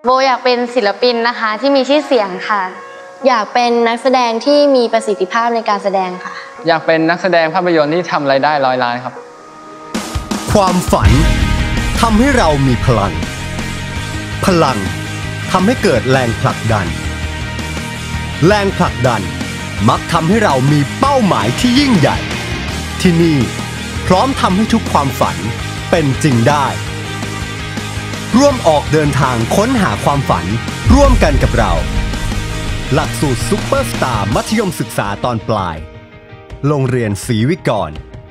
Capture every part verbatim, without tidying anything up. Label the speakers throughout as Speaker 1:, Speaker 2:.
Speaker 1: โบอยากเป็นศิลปินนะคะที่มีชื่อเสียงค่ะ
Speaker 2: อยากเป็นนักแสดงที่มีประสิทธิภาพในการแสดงค่ะ
Speaker 3: อยากเป็นนักแสดงภาพยนตร์ที่ทำรายได้ร้อยล้านครับ
Speaker 4: ความฝันทำให้เรามีพลังพลังทำให้เกิดแรงผลักดันแรงผลักดันมักทำให้เรามีเป้าหมายที่ยิ่งใหญ่ที่นี่พร้อมทำให้ทุกความฝันเป็นจริงได้ร่วมออกเดินทางค้นหาความฝันร่วมกันกับเราหลักสูตรซุปเปอร์สตาร์มัธยมศึกษาตอนปลายโรงเรียนศรีวิกร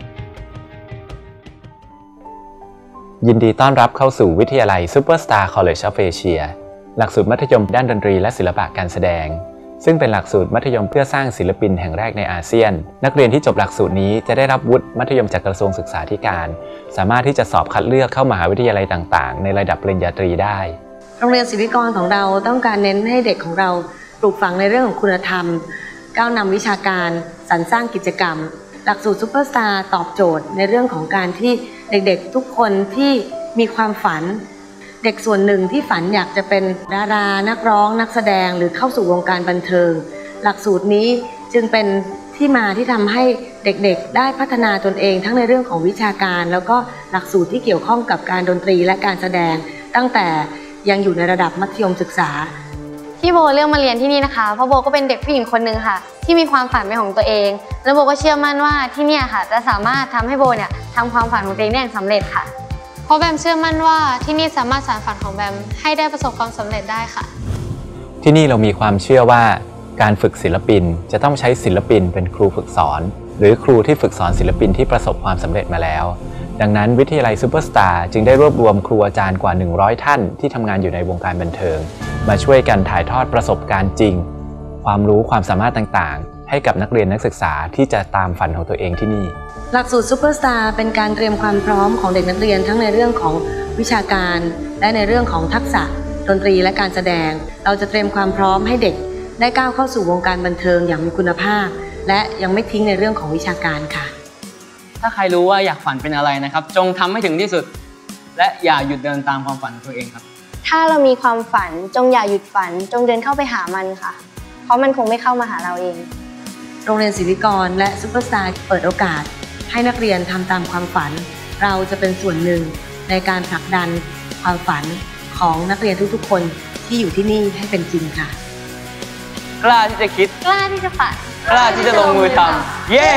Speaker 5: ยินดีต้อนรับเข้าสู่วิทยาลัย Superstar College of Asia หลักสูตรมัธยมด้านดนตรีและศิลปะการแสดงซึ่งเป็นหลักสูตรมัธยมเพื่อสร้างศิลปินแห่งแรกในอาเซียนนักเรียนที่จบหลักสูตรนี้จะได้รับวุฒิมัธยมจากกระทรวงศึกษาธิการสามารถที่จะสอบคัดเลือกเข้ามหาวิทยาลัยต่างๆในระดับปริญญาตรีได้
Speaker 6: โรงเรียนศรีวิกรของเราต้องการเน้นให้เด็กของเราปลูกฝังในเรื่องของคุณธรรมก้าวนำวิชาการสรรสร้างกิจกรรมหลักสูตรซุปเปอร์สตาร์ตอบโจทย์ในเรื่องของการที่เด็กๆทุกคนที่มีความฝันเด็กส่วนหนึ่งที่ฝันอยากจะเป็นดารานักร้องนักแสดงหรือเข้าสู่วงการบันเทิงหลักสูตรนี้จึงเป็นที่มาที่ทำให้เด็กๆได้พัฒนาตนเองทั้งในเรื่องของวิชาการแล้วก็หลักสูตรที่เกี่ยวข้องกับการดนตรีและการแสดงตั้งแต่ยังอยู่ในระดับมัธยมศึกษา
Speaker 1: ที่โบเลือกมาเรียนที่นี่นะคะเพราะโบก็เป็นเด็กผู้หญิงคนหนึ่งค่ะที่มีความฝันเป็นของตัวเองแล้วโบก็เชื่อมั่นว่าที่นี่ค่ะจะสามารถทำให้โบเนี่ยทำความฝันของตัวเองได้อย่างสำเร็จค่ะ
Speaker 7: เพราะแบมเชื่อมั่นว่าที่นี่สามารถสานฝันของแบมให้ได้ประสบความสำเร็จได้ค่ะ
Speaker 5: ที่นี่เรามีความเชื่อว่าการฝึกศิลปินจะต้องใช้ศิลปินเป็นครูฝึกสอนหรือครูที่ฝึกสอนศิลปินที่ประสบความสำเร็จมาแล้วดังนั้นวิทยาลัยซูเปอร์สตาร์จึงได้รวบรวมครูอาจารย์กว่าหนึ่งร้อยท่านที่ทำงานอยู่ในวงการบันเทิงมาช่วยกันถ่ายทอดประสบการณ์จริงความรู้ความสามารถต่างๆให้กับนักเรียนนักศึกษาที่จะตามฝันของตัวเองที่นี่
Speaker 6: หลักสูตรซูเปอร์สตาร์เป็นการเตรียมความพร้อมของเด็กนักเรียนทั้งในเรื่องของวิชาการและในเรื่องของทักษะดนตรีและการแสดงเราจะเตรียมความพร้อมให้เด็กได้ก้าวเข้าสู่วงการบันเทิงอย่างมีคุณภาพและยังไม่ทิ้งในเรื่องของวิชาการค่ะ
Speaker 3: ถ้าใครรู้ว่าอยากฝันเป็นอะไรนะครับจงทำให้ถึงที่สุดและอย่าหยุดเดินตามความฝันของตัวเองครับ
Speaker 2: ถ้าเรามีความฝันจงอย่าหยุดฝันจงเดินเข้าไปหามันค่ะเพราะมันคงไม่เข้ามาหาเราเอง
Speaker 6: โรงเรียนศรีวิกรและซุปเปอร์สตาร์เปิดโอกาสให้นักเรียนทำตามความฝันเราจะเป็นส่วนหนึ่งในการผลักดันความฝันของนักเรียนทุกๆคนที่อยู่ที่นี่ให้เป็นจริงค่ะ
Speaker 3: กล้าที่จะคิด
Speaker 1: กล้าที่จะฝัน
Speaker 3: กล้าที่จะลงมือทำเย้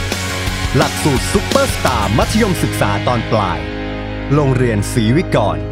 Speaker 4: หลักสูตรซุปเปอร์สตาร์มัธยมศึกษาตอนปลายโรงเรียนศรีวิกร